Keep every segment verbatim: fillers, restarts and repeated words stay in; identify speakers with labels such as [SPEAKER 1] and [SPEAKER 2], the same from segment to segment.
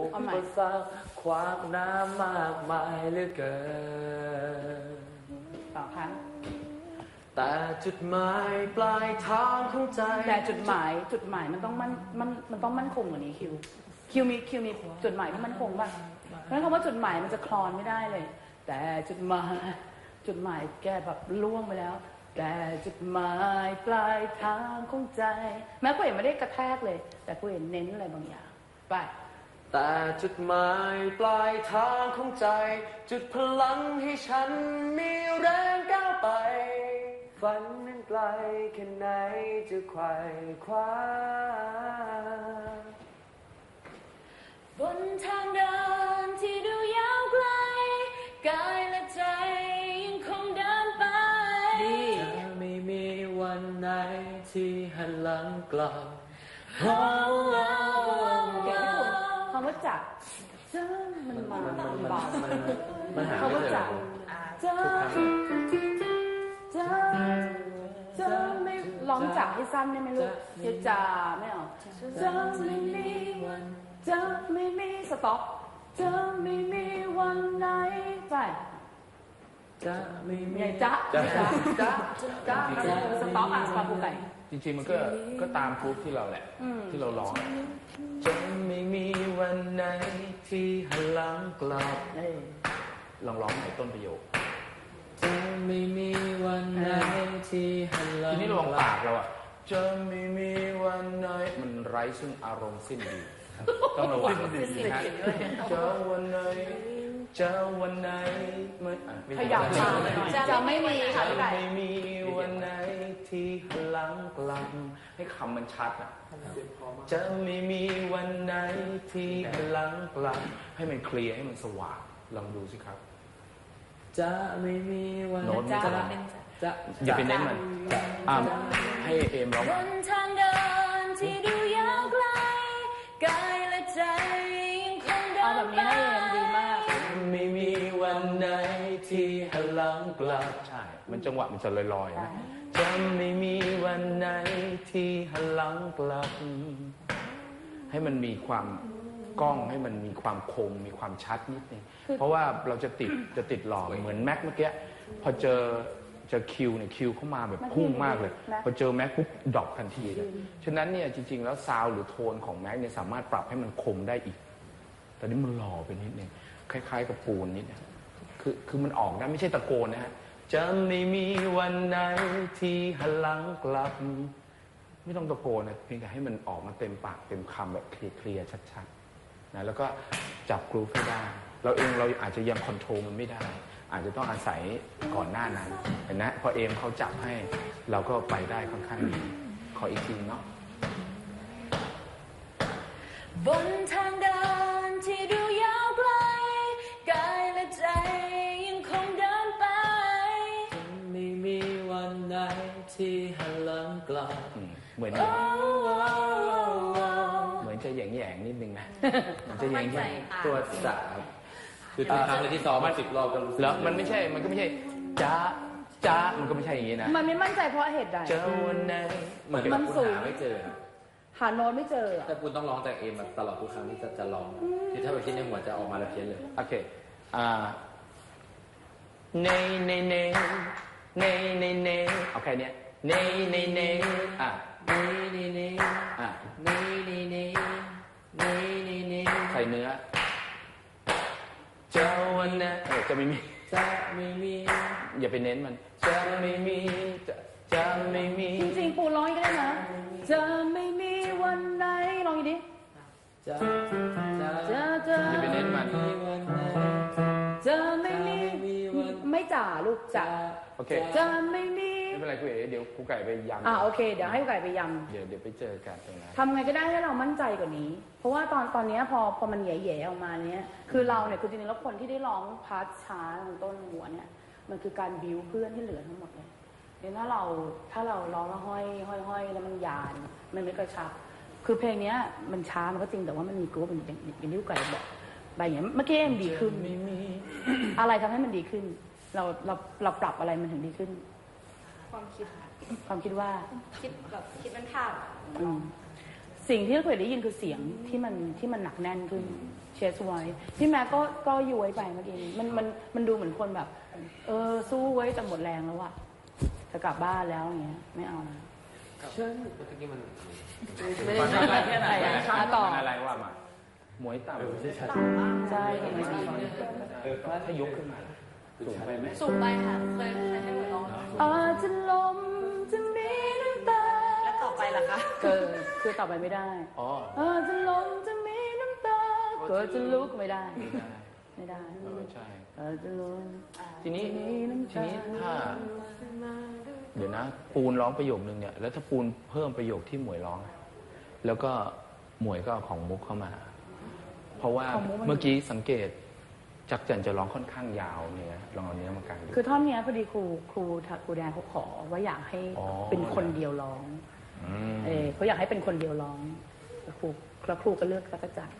[SPEAKER 1] อุปสรรคขวางน้ำมากมายเหลือเกิน
[SPEAKER 2] ต่อครั้ง
[SPEAKER 1] แต่จุดหมายปลายทางของใจ
[SPEAKER 2] แต่จุดหมายจุดหมายมันต้องมันมันมันต้องมั่นคงกว่านี้คิวคิวมีคิวมีจุดหมายที่มั่นคงป่ะเพราะฉะนั้นคำว่าจุดหมายมันจะคลอนไม่ได้เลยแต่จุดหมายจุดหมายแกแบบล่วงไปแล้วแต่จุดหมายปลายทางของใจแม้กูเห็นไม่ได้กระแทกเลยแต่กูเห็นเน้นอะไรบางอย่างไป
[SPEAKER 1] แต่จุดหมายปลายทางของใจจุดพลังให้ฉันมีแรงก้าวไปฝันนั้นไกลแค่ไหนจะไขว่คว้า
[SPEAKER 2] บนทางเดินที่ดูยาวไกลกายและใจยังคงเดินไป
[SPEAKER 1] จะไม่มีวันไหนที่หันหลังกลับ
[SPEAKER 2] คำว่าจับเจ้ามันมามันบา
[SPEAKER 1] มันหา
[SPEAKER 2] ไม่เจอเจ้าเจ้าเจ้าไม่ลองจับให้สั้นได้ไหมลูกอย่าจ่าไม่เอาเจ้าไม่มีวันเจ้าไม่มีสต็อปเจ้าไม่มีวันไหนไป
[SPEAKER 1] จะไม่มี
[SPEAKER 2] จ้าจ้าจ้าจ้าสต็อปอ่ะสต็อปกูไก่
[SPEAKER 3] จริงๆมันก็ก็ตามกรุ๊ปที่เราแหละที่เราร้อง
[SPEAKER 1] จะไม่มีวันไหนที่หันหลังกลับ
[SPEAKER 3] ลองร้องในต้นประโยค
[SPEAKER 1] จะไม่มีวันไหนที่หันหลัง
[SPEAKER 3] ทีนี้ลองปากเราอ่ะจะไม่มีวันไหนมันไร้ซึ่งอารมณ์สิ้นดีต้องระวังดีฮะ
[SPEAKER 1] จะวันไหนจะวันไหนไม่
[SPEAKER 2] ขยับมาจะไม่มีค่ะ
[SPEAKER 1] จะไม่มีวันไหนที่หันหลังกลับ
[SPEAKER 3] ให้คำมันชัดอ่ะ
[SPEAKER 1] จะไม่มีวันไหนที่หันหลังกลับ
[SPEAKER 3] ให้มันเคลียร์ให้มันสว่างลองดูสิครับ
[SPEAKER 1] จะไม่มีวัน
[SPEAKER 3] โน้ตมันจะ
[SPEAKER 1] จะ
[SPEAKER 3] อย่าไปเน้นมันอ่าให้เอมร้อง
[SPEAKER 2] บนทางเดินที่ดูยาวไกลกายและใจยังคงเดินไปเอาแบบนี้ให้เอมดีมาก
[SPEAKER 1] ไม่มีวันไหนที่หันหลังกลับ
[SPEAKER 3] ใช่มันจังหวะมันจะลอยๆนะ
[SPEAKER 1] จะไม่มีวันไหนที่หันหลังกลับ
[SPEAKER 3] ให้มันมีความกล้องให้มันมีความคมมีความชัดนิดนึงเพราะว่าเราจะติดจะติดหล่อเหมือนแม็กเมื่อกี้พอเจอเจอคิวเนี่ยคิวเข้ามาแบบพุ่งมากเลยพอเจอแม็กปุ๊บดรอปทันทีเลยฉะนั้นเนี่ยจริงๆแล้วซาวหรือโทนของแม็กเนี่ยสามารถปรับให้มันคมได้อีกแต่นี่มันหล่อไปนิดนึงคล้ายๆกับปูนนิดนึงคือคือมันออกได้ไม่ใช่ตะโกนนะฮะ
[SPEAKER 1] จะไม่มีวันไหนที่หันหลังกลับ
[SPEAKER 3] ไม่ต้องตะโกนนะเพียงแต่ให้มันออกมาเต็มปากเต็มคำแบบเคลียร์ๆชัดๆนะแล้วก็จับกรูฟให้ได้เราเองเราอาจจะยังคอนโทรลมันไม่ได้อาจจะต้องอาศัยก่อนหน้านั้นเห็นนะพอเอมเขาจับให้เราก็ไปได้ค่อนข้างดีขออีกทีเนาะ
[SPEAKER 2] บนทางเดินที่ดูยาวไกลกายและใจยังคงเดินไป
[SPEAKER 1] จะไม่มีวันไหนที่หันหลังกลับ
[SPEAKER 3] เหมือนเหมือนจะแหย่งๆนิดนึงนะมันจะแหย่งๆ
[SPEAKER 1] ตัวสาคือทุกครั้งเลยที่ซ้อมมาสิบรอบก็รู้สึก
[SPEAKER 3] แล้วมันไม่ใช่มันก็ไม่ใช่จ้าจ้ามันก็ไม่ใช่อย่างนี้นะ
[SPEAKER 2] มันไม่มั่นใจเพราะเหตุใด
[SPEAKER 1] เจอวันไหนเหมือนกับคุณหาไม่เจอ
[SPEAKER 2] หาโน้ตไม่เจอ
[SPEAKER 1] แต่คุณต้องร้องแต่เอมตลอดทุกครั้งที่จะจะร้องที่ถ้าไปคิดในหัวจะออกมาแล้วเพี้ยนเลย
[SPEAKER 3] โอเคอ่าเนเนเนเนเนเนเอาแค่นี้เนเนเนอ่ะ
[SPEAKER 1] เนเนเน
[SPEAKER 3] อ่ะ
[SPEAKER 1] เนเนเนเนเนเน
[SPEAKER 3] ใส่เนื้อ
[SPEAKER 1] จะวันไหน
[SPEAKER 3] เออจะไม่มี
[SPEAKER 1] จะไม่มี
[SPEAKER 3] อย่าไปเน้นมัน
[SPEAKER 1] จะไม่มีจะจะไม่มี
[SPEAKER 2] จริงๆปูร้องก็ได้นะจะไม่มีวันไหนลองอีกดิ
[SPEAKER 1] จะ
[SPEAKER 2] จะจะจะ
[SPEAKER 3] อย่าไปเน้นมัน
[SPEAKER 2] จะไม่มีไม่จ่าลูกจ่า
[SPEAKER 3] โอเค
[SPEAKER 2] จะไม่มี
[SPEAKER 3] ไม่เป็นไรคุยเดี๋ยวครูไก่ไปยำ
[SPEAKER 2] อ่าโอเคเดี๋ยวให้ครูไก่ไปย
[SPEAKER 3] ำเดี๋ยวเดี๋ยวไปเจอกันตรงนั้น
[SPEAKER 2] ทำไงก็ได้ให้เรามั่นใจกว่านี้เพราะว่าตอนตอนนี้พอพอมันแย่ๆออกมาเนี้ยคือเราเนี่ยคือจริงๆแล้วคนที่ได้ร้องพาร์ทช้าตรงต้นหัวเนี่ยมันคือการบิวเพื่อนที่เหลือทั้งหมดเลยเดี๋ยวถ้าเราถ้าเราร้องแล้วห้อยห้อยห้อยแล้วมันยานมันไม่กระชับคือเพลงนี้มันช้ามันก็จริงแต่ว่ามันมีกรุ๊ปเป็นอย่างที่ครูไก่บอกไปอย่างเมื่อกี้มันดีขึ้นอะไรทำให้มันดีขึ้นเราเราเราปรับอะไรมันถึงดีขึ้น
[SPEAKER 4] ความคิด
[SPEAKER 2] ความคิดว่า
[SPEAKER 4] คิดแบบคิดเป็นภาพ
[SPEAKER 2] สิ่งที่เราเคยได้ยินคือเสียงที่มันที่มันหนักแน่นขึ้นเชสไว้พี่แม็กก็ก็ย้วยไปเมื่อกี้มันมันมันดูเหมือนคนแบบเออสู้ไว้จนหมดแรงแล้วอะจะกลับบ้านแล้วอย่างเงี้ยไม่เอานะ
[SPEAKER 1] เชื่อเมื่อกี้มัน
[SPEAKER 2] ไม่ได้ชัดแค่ไหนอะต่อ
[SPEAKER 3] อะไรว่ามาหมวยต่ำไม่ใช่ชัด
[SPEAKER 2] ใช่ไม่ใช่
[SPEAKER 3] เออถ้ายกขึ้นมาสูงไปไหม
[SPEAKER 4] สูงไปค่ะเคยเคยให้หนูลอง
[SPEAKER 2] อาจจะลมจะมีน้ำตา
[SPEAKER 4] แล้วต่อไปล่ะคะ
[SPEAKER 2] เออคือต่อไปไม่ได้อ๋ออาจจะลมจะมีน้ำตาเกิดจะลุกไม่ได้ไม่ได้
[SPEAKER 3] ใช่
[SPEAKER 2] อาจจะลม
[SPEAKER 3] ทีนี้ทีนี้ถ้าเดี๋ยวนะปูนร้องประโยคนึงเนี่ยแล้วถ้าปูนเพิ่มประโยคที่หมวยร้องแล้วก็หมวยก็เอาของมุกเข้ามาเพราะว่าเมื่อกี้สังเกตจักจันจะร้องค่อนข้างยาวเนี่ยลองเอาเนื้อมากันดู
[SPEAKER 2] คือท่อนนี้พอดีครูครูครูแดนเขาขอว่าอยากให้เป็นคนเดียวร้องเออเขาอยากให้เป็นคนเดียวร้องครูแล้วครูก็เลือกจักจัน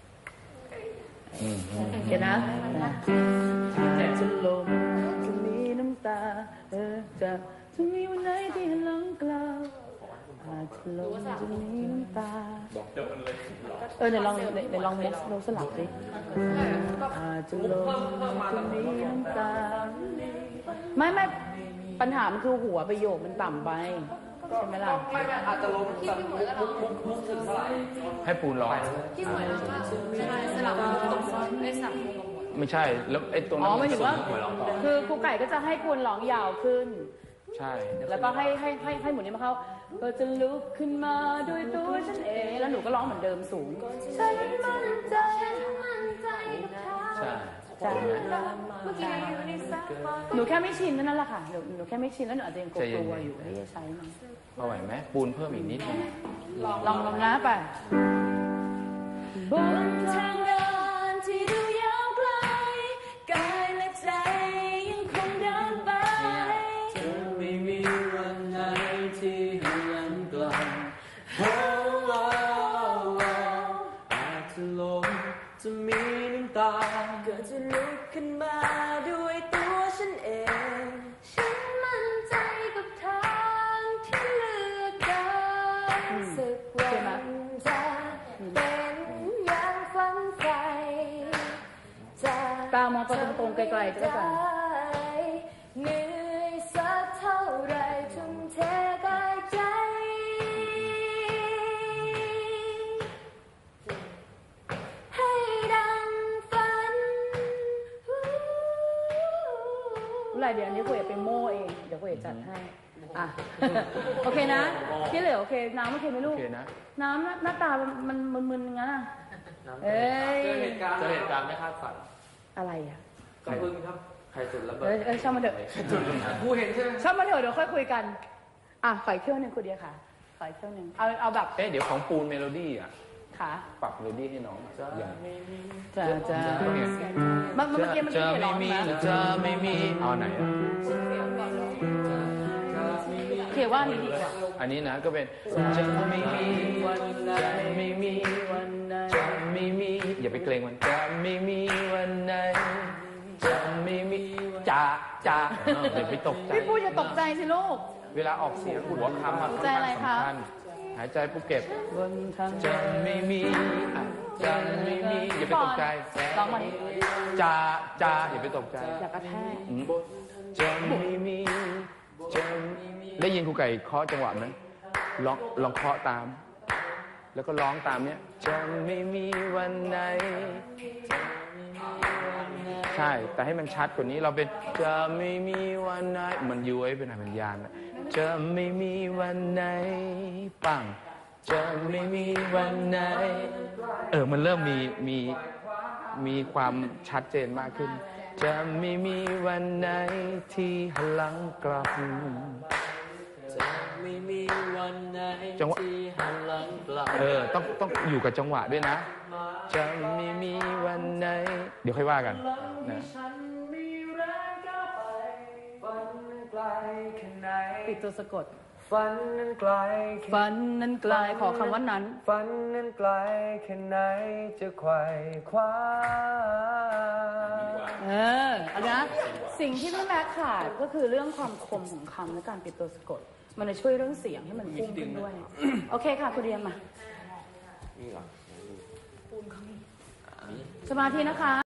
[SPEAKER 2] เห็นนะจะลมจะมีน้ำตาเออจะจะมีวันไหนที่หลังกล่าวอาจจะลมจะมีน้ำตาเออเดี๋ยวลองเดี๋ยวลองมุกเราสลับสิอาจจะลมจะมีน้ำตาไม่ไม่ปัญหามันคือหัวประโยคมันต่ำไปใช่ไหมล่ะ
[SPEAKER 1] ไม่ไม่อาจจะลมแต่มุกมุกมุกถึงเท่าไหร่
[SPEAKER 3] ให้ปูนร้อง
[SPEAKER 4] ที่หมวยร้องว่าใช่สลับมุกตรงไอ้สลับมุก
[SPEAKER 3] ไม่ใช่แล้วไอ้ตรงนั้
[SPEAKER 2] นอ๋อหมายถึงว่าคือครูไก่ก็จะให้ปูนร้องยาวขึ้น
[SPEAKER 3] ใช่
[SPEAKER 2] แล้วก็ให้ให้ให้ให้หมุนนี้มาเข้าก็จะลุกขึ้นมาด้วยตัวฉันเองแล้วหนูก็ร้องเหมือนเดิมสูงฉันมั่นใจมั่นใจ
[SPEAKER 3] ใช่
[SPEAKER 2] ใช่หนูแค่ไม่ชินนั่นแหละค่ะหนูหนูแค่ไม่ชินแล้วหนูอาจจะยังกลัวอยู่ที่จะใช้มัน
[SPEAKER 3] พอไหวไหมปูนเพิ่มอีกนิดนึง
[SPEAKER 2] ลองลองลองนะไปบนทางเดินที่ดูยาวไกลกายและใจยังคงเดินไป
[SPEAKER 1] จะไม่มีวันไหนที่หันกลับอาจจะลมจะมีน้ำตา
[SPEAKER 2] ก็จะลุกขึ้นมาด้วยตัวฉันเองฉันมั่นใจกับทางที่เลือกเดินสักวันจะเป็นอย่างฝันใฝ่จะตามองไปตรงๆไกลๆก็ได้เหนื่อยสักเท่าไรทุ่มเทกายใจให้ดังฝันอะไรเดี๋ยวอันนี้คุยไปโม่เองเดี๋ยวคุยจัดให้อ่ะโอเคนะที่เหลือโอเคน้ำโอเคไหมลูกน้ำหน้าตามันมึนๆงั้นอ่ะ
[SPEAKER 1] เอ้ยเจอเหตุการณ์เจอเหตุการณ์ไม่คาดฝัน
[SPEAKER 2] อะไรอ่ะ
[SPEAKER 1] ใครพึ่งครับใครจุดระเบิด
[SPEAKER 2] เออช่างมาเถอะ
[SPEAKER 1] ผู้เห็นใช่ไหม
[SPEAKER 2] ช่างมาเถอะเดี๋ยวค่อยคุยกันอ่ะขออีกเที่ยวหนึ่งคุณเดียค่ะขออีกเที่ยวหนึ่งเอาเอาแบบ
[SPEAKER 3] เอ๊ะเดี๋ยวของปูนเมโลดี้อ่ะ
[SPEAKER 2] ค่ะ
[SPEAKER 3] ปรับเมโลดี้ให้น้องอย่าง
[SPEAKER 2] จะจะเมื่อเมื่อกี้มัน
[SPEAKER 3] จะไม่มีจะไม่มีเอาไหนอ่ะ
[SPEAKER 2] เขียนว่านี้ดีกว่า
[SPEAKER 3] อันนี้นะก็เป็นจะไม่มีวันไหนไม่มีวันไหนจะไม่มีอย่าไปเกรงมันจะไม่มีวันไหนจะไม่มีจ่าจ่าเดี๋ยวไปตกใจ
[SPEAKER 2] พี่พูดอย่าตกใจสิลูก
[SPEAKER 3] เวลาออกเสียงหัวคำมันสำคัญหายใจปุ๊บเก็บจะไม่มีจะไม่มีอย่าไปตกใจ
[SPEAKER 2] ร้องมัน
[SPEAKER 3] จ่าจ่าอย่าไปตกใจ
[SPEAKER 2] อย่ากระแทก
[SPEAKER 3] จะไม่มีจะได้ยินครูไก่เคาะจังหวะไหมลองลองเคาะตามแล้วก็ร้องตามเนี้ยจะไม่มีวันไหนใช่แต่ให้มันชัดกว่านี้เราเป็นจะไม่มีวันไหนมันย้วยเป็นอะไรเป็นยานจะไม่มีวันไหนปังจะไม่มีวันไหนเออมันเริ่มมีมีมีความชัดเจนมากขึ้นจะไม่มีวันไหนที่หันหลังกลับ
[SPEAKER 1] จะไม่มีวันไหนที่หันหลังกลับ
[SPEAKER 3] เออต้องต้องอยู่กับจังหวะด้วยนะจะไม่มีวันไหนเดี๋ยวค่อยว่ากันนะ
[SPEAKER 2] ปิดตัวสะกด
[SPEAKER 1] ฝันนั้นไกล
[SPEAKER 2] ฝันนั้นไกลขอคำว่านั้น
[SPEAKER 1] ฝันนั้นไกลแค่ไหนจะไขว่คว้า
[SPEAKER 2] เออเอานะสิ่งที่พี่แม็กขาดก็คือเรื่องความคมของคำและการปิดตัวสะกดมันจะช่วยเรื่องเสียงให้มันพุ่งขึ้นด้วยโอเคค่ะคุณเรียนมา
[SPEAKER 1] นี่เหรอ
[SPEAKER 2] สมาธินะคะ